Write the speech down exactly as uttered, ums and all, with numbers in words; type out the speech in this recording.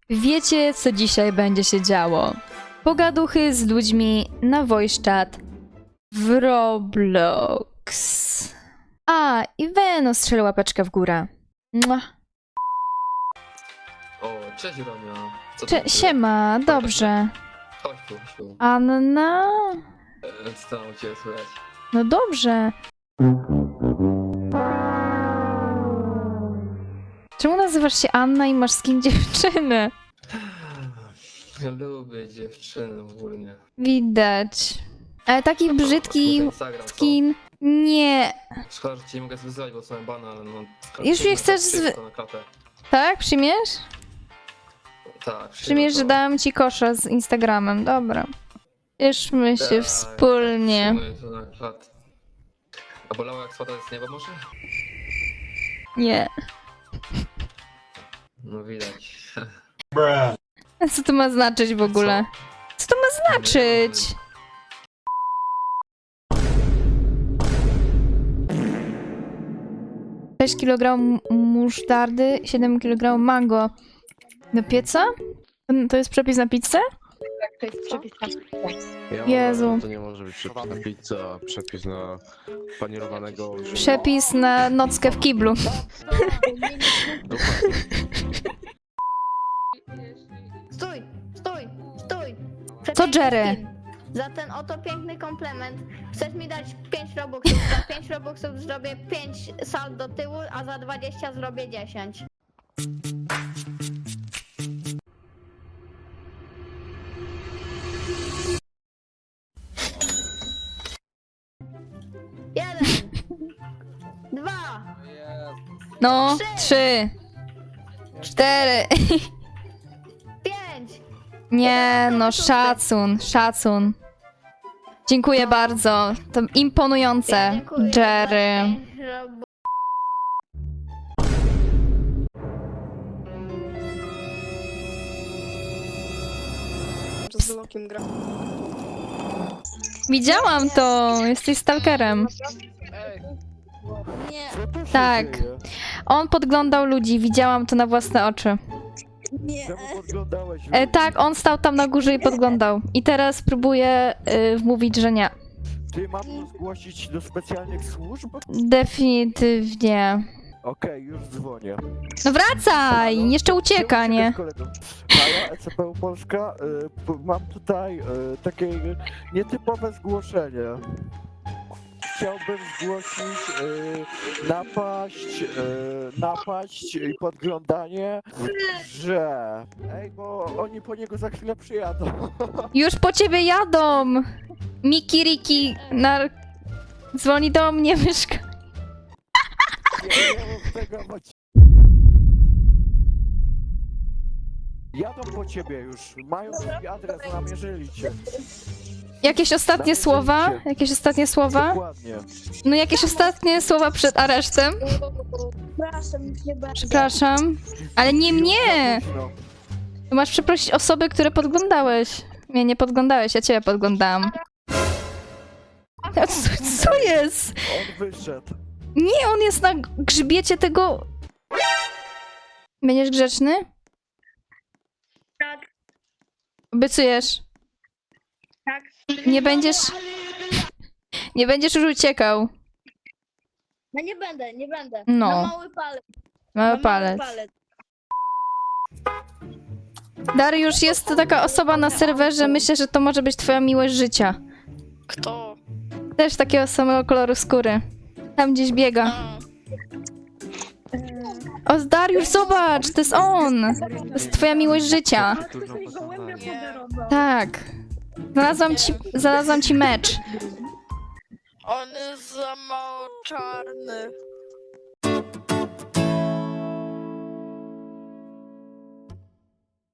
Wiecie, co dzisiaj będzie się działo? Pogaduchy z ludźmi na voice chat w Roblox. A, i Veno strzelił łapeczkę w górę. Mua. O, cześć Romeo. Co Cze- tam siema, dobrze. Chodź tu, chodź tu. Anna? E, Co tam u ciebie słychać? No dobrze. Czemu nazywasz się Anna i masz skin dziewczyny? Lubię dziewczyny ogólnie. Widać. Ale taki brzydki Instagram, co? skin. Nie. Szkoda, że cię nie mogę zwyzywać, bo są bana, ale no... Już mnie chcesz zwy- zwy... na klatę. Tak? Przyjmiesz? Tak, Przyjmiesz, że to. dałam ci kosza z Instagramem. Dobra. Cieszmy się Tak, wspólnie. przyjmuję to na klatę. A bolało jak spada z nieba może? Nie. No widać. A co to ma znaczyć w ogóle? Co to ma znaczyć? sześć kilogramów musztardy, siedem kilogramów mango. Do pieca? To jest przepis na pizzę? To jest przepis na Ja Jezu. uważam, że to nie może być przepis na pizzę, a przepis na panierowanego... Przepis na nockę w kiblu. Dokładnie. Stój, stój, stój! Co, Przepiękny Jerry? skin. Za ten oto piękny komplement chcesz mi dać pięć robuxów. Za pięć robuxów zrobię pięć sal do tyłu, a za dwadzieścia zrobię dziesięć. Jeden, dwa, No, trzy, cztery. pięć. Nie, no szacun, szacun. Dziękuję bardzo. To imponujące, Ja dziękuję Jerry. za pięć robu- Z Lokiem gra. Widziałam to, jesteś stalkerem. Nie, Tak. On podglądał ludzi, widziałam to na własne oczy. nie. Czemu podglądałeś? E, tak, on stał tam na górze i podglądał. I teraz próbuje y, wmówić, że nie. Ty mam to zgłosić do specjalnych służb? Definitywnie. Okej, już dzwonię. No wracaj! Jeszcze ucieka, nie? Halo, E C P U Polska, y, p- mam tutaj y, takie nietypowe zgłoszenie. Chciałbym zgłosić y, napaść, y, napaść i podglądanie, że... Ej, bo oni po niego za chwilę przyjadą. Już po ciebie jadą! Miki Riki nar... dzwoni do mnie, myszka. Nie, nie mów tego, bo ci- Jadą po ciebie już, mają twój adres, namierzyli cię. Jakieś ostatnie słowa? Jakieś ostatnie słowa? Dokładnie. No jakieś ostatnie słowa przed aresztem? Przepraszam, już nie będę. Przepraszam. Ale nie mnie! No. To masz przeprosić osoby, które podglądałeś. Mnie nie podglądałeś, ja ciebie podglądałam. A co, co jest? On wyszedł. Nie, on jest na grzbiecie tego... Będziesz grzeczny? Tak. Obiecujesz? Tak. Nie będziesz... Nie będziesz już uciekał. No nie będę, nie będę. No. Na mały palec. Mały na palec. Mały palec. Dariusz, jest to taka osoba na serwerze, myślę, że to może być twoja miłość życia. Kto? Też takiego samego koloru skóry. Tam gdzieś biega. A. O, Dariusz, zobacz, to jest on! To jest twoja miłość życia. Nie. Tak. Znalazłam ci, znalazłam ci mecz. On jest za mało czarny.